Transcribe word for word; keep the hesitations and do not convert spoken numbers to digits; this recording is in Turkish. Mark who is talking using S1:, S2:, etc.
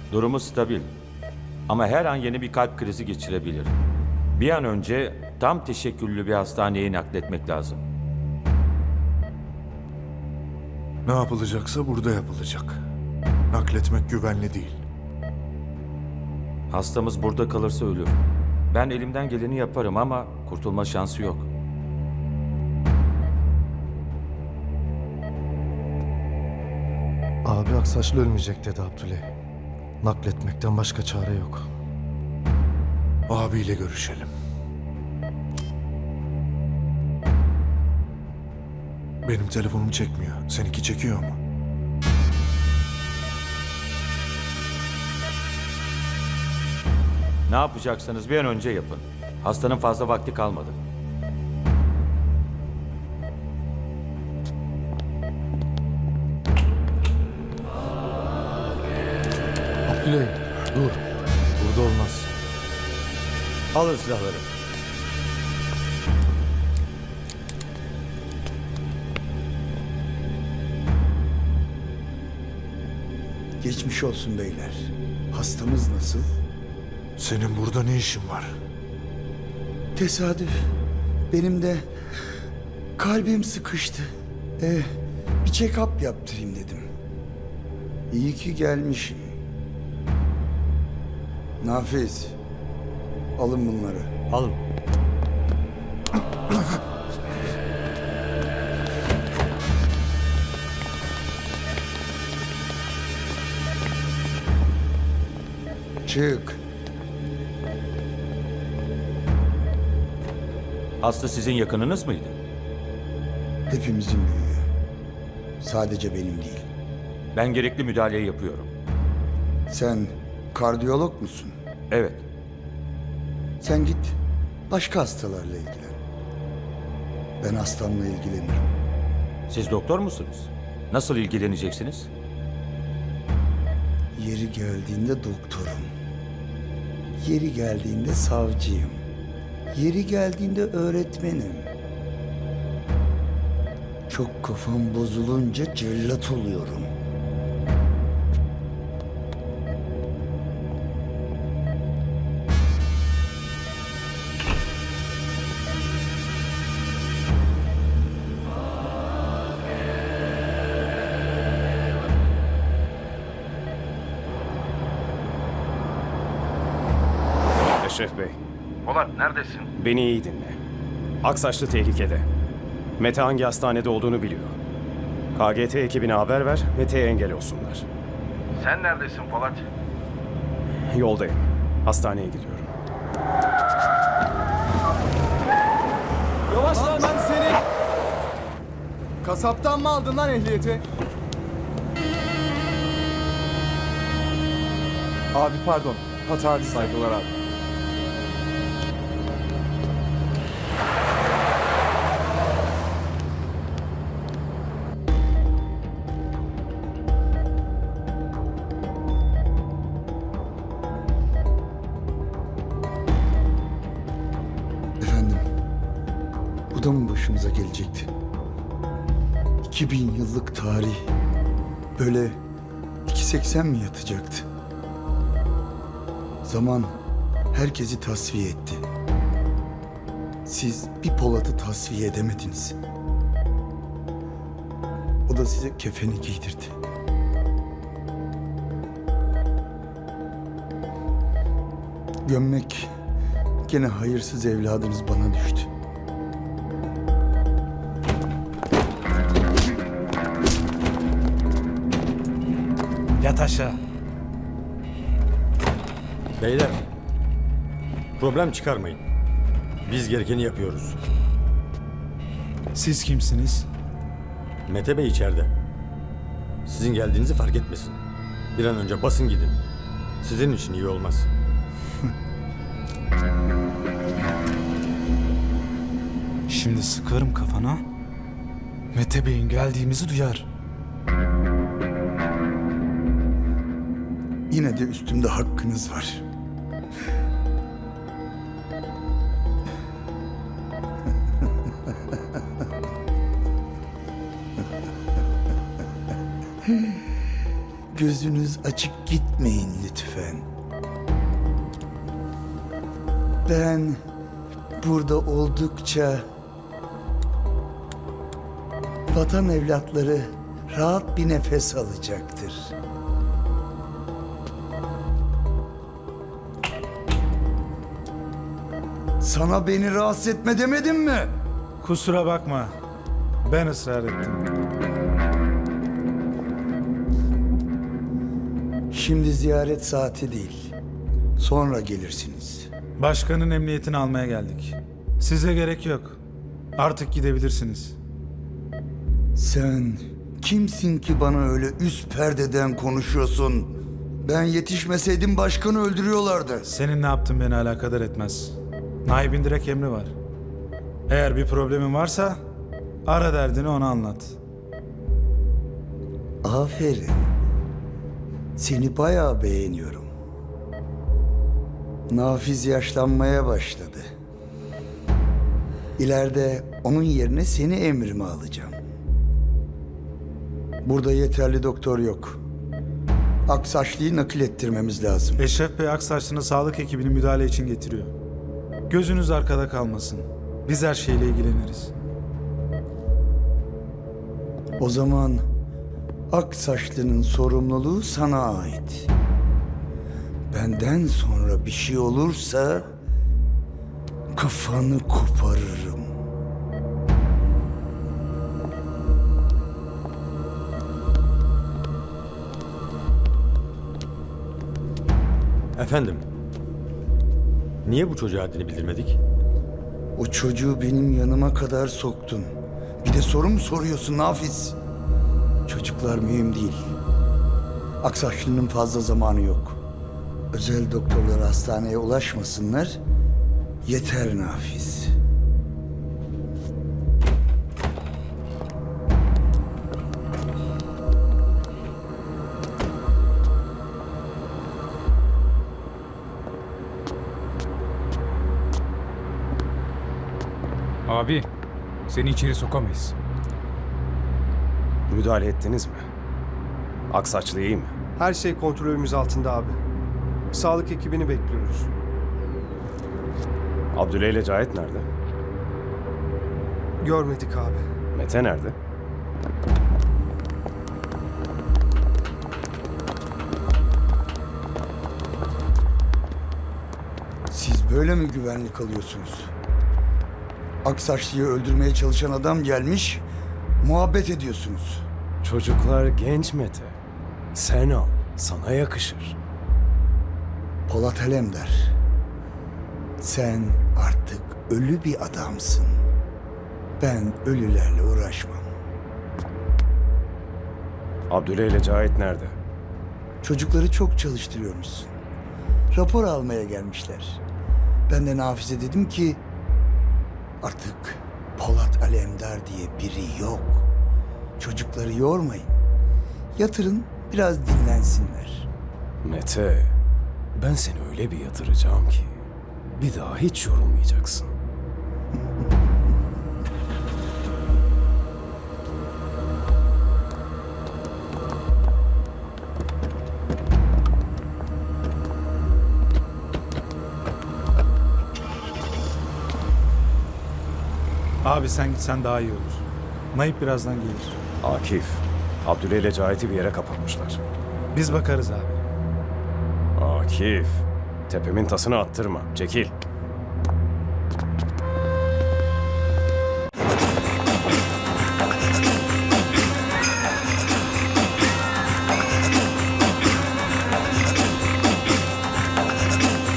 S1: Durumu stabil. Ama her an yeni bir kalp krizi geçirebilir. Bir an önce tam teşekküllü bir hastaneye nakletmek lazım.
S2: Ne yapılacaksa burada yapılacak. Nakletmek güvenli değil.
S1: Hastamız burada kalırsa ölür. Ben elimden geleni yaparım ama kurtulma şansı yok.
S3: Abi Aksaçlı ölmeyecek dedi Abdüley. Nakletmekten başka çare yok.
S2: Abiyle görüşelim. Benim telefonum çekmiyor. Seninki çekiyor mu?
S1: Ne yapacaksanız bir an önce yapın. Hastanın fazla vakti kalmadı.
S3: Abdüley dur. Burada olmaz.
S1: Alın silahları.
S4: Geçmiş olsun beyler. Hastamız nasıl?
S2: Senin burada ne işin var?
S4: Tesadüf. Benim de kalbim sıkıştı. Ee, bir check-up yaptırayım dedim. İyi ki gelmişim. Nafiz, alın bunları.
S1: Alın.
S4: Çık.
S1: Hasta sizin yakınınız mıydı?
S4: Hepimizin büyüğü. Sadece benim değil.
S1: Ben gerekli müdahaleyi yapıyorum.
S4: Sen kardiyolog musun?
S1: Evet.
S4: Sen git başka hastalarla ilgilen. Ben hastamla ilgilenirim.
S1: Siz doktor musunuz? Nasıl ilgileneceksiniz?
S4: Yeri geldiğinde doktorum. Yeri geldiğinde savcıyım. Yeri geldiğinde öğretmenim. Çok kafam bozulunca cellat oluyorum.
S5: Eşref Bey,
S6: Polat neredesin?
S5: beni iyi dinle. Aksaçlı tehlikede. Mete hangi hastanede olduğunu biliyor. K G T ekibine haber ver, Mete'ye engel olsunlar.
S6: Sen neredesin Polat?
S5: Yoldayım. Hastaneye gidiyorum.
S7: Yavaş lan ben seni. Kasaptan mı aldın lan ehliyeti? Abi pardon. Hata saygılar abi.
S4: Efendim, bu da mı başımıza gelecekti? iki bin yıllık tarih böyle iki seksen mi yatacaktı? Zaman herkesi tasfiye etti. Siz bir Polat'ı tasfiye edemediniz. O da size kefeni giydirdi. Gömmek gene hayırsız evladınız bana düştü.
S3: Yat aşağı.
S8: Beyler, problem çıkarmayın. Biz gerekeni yapıyoruz.
S3: Siz kimsiniz?
S8: Mete Bey içeride. Sizin geldiğinizi fark etmesin. Bir an önce basın gidin. Sizin için iyi olmaz.
S3: Şimdi sıkarım kafana. Mete Bey'in geldiğimizi duyar.
S4: Yine de üstümde hakkınız var. gözünüz açık gitmeyin lütfen. Ben burada oldukça vatan evlatları rahat bir nefes alacaktır. Sana beni rahatsız etme demedim mi?
S9: Kusura bakma. Ben ısrar ettim.
S4: Şimdi ziyaret saati değil. Sonra gelirsiniz.
S9: Başkanın emniyetini almaya geldik. Size gerek yok. Artık gidebilirsiniz.
S4: Sen kimsin ki bana öyle üst perdeden konuşuyorsun? Ben yetişmeseydim başkanı öldürüyorlardı.
S9: Senin ne yaptığın beni alakadar etmez. Naibin direkt emri var. Eğer bir problemin varsa ara derdini ona anlat.
S4: Aferin. Seni bayağı beğeniyorum. Nafiz yaşlanmaya başladı. İleride onun yerine seni emrime alacağım. Burada yeterli doktor yok. Aksaçlı'yı nakil ettirmemiz lazım.
S9: Eşref Bey Aksaçlı'nın sağlık ekibini müdahale için getiriyor. Gözünüz arkada kalmasın. Biz her şeyle ilgileniriz.
S4: O zaman Aksaçlı'nın sorumluluğu sana ait. Benden sonra bir şey olursa kafanı koparırım.
S8: Efendim, niye bu çocuğa haddini bildirmedik?
S4: O çocuğu benim yanıma kadar soktun. Bir de soru mu soruyorsun Nafiz? Çocuklar mühim değil. Aksaçlı'nın fazla zamanı yok. Özel doktorlar hastaneye ulaşmasınlar. Yeter Nafiz.
S10: Abi, seni içeri sokamayız.
S5: Müdahale ettiniz mi? Aksaçlı iyi mi?
S11: Her şey kontrolümüz altında abi. Sağlık ekibini bekliyoruz.
S5: Abdüley ile Cahit nerede?
S11: Görmedik abi.
S5: Mete nerede?
S4: Siz böyle mi güvenlik alıyorsunuz? Aksaçlı'yı öldürmeye çalışan adam gelmiş, muhabbet ediyorsunuz.
S5: Çocuklar genç Mete. Sen al, sana yakışır.
S4: Polat Alemdar, sen artık ölü bir adamsın. Ben ölülerle uğraşmam.
S5: Abdüley ile Cahit nerede?
S4: Çocukları çok çalıştırıyormuşsun. Rapor almaya gelmişler. Ben de Nafiz'e dedim ki artık Polat Alemdar diye biri yok. Çocukları yormayın. Yatırın, biraz dinlensinler.
S5: Mete, ben seni öyle bir yatıracağım ki bir daha hiç yorulmayacaksın.
S9: Abi sen gitsen daha iyi olur. Naip birazdan gelir.
S5: Akif, Abdüley ile Cahit'i bir yere kapatmışlar.
S9: Biz bakarız abi.
S5: Akif, tepemin tasını attırma. Çekil.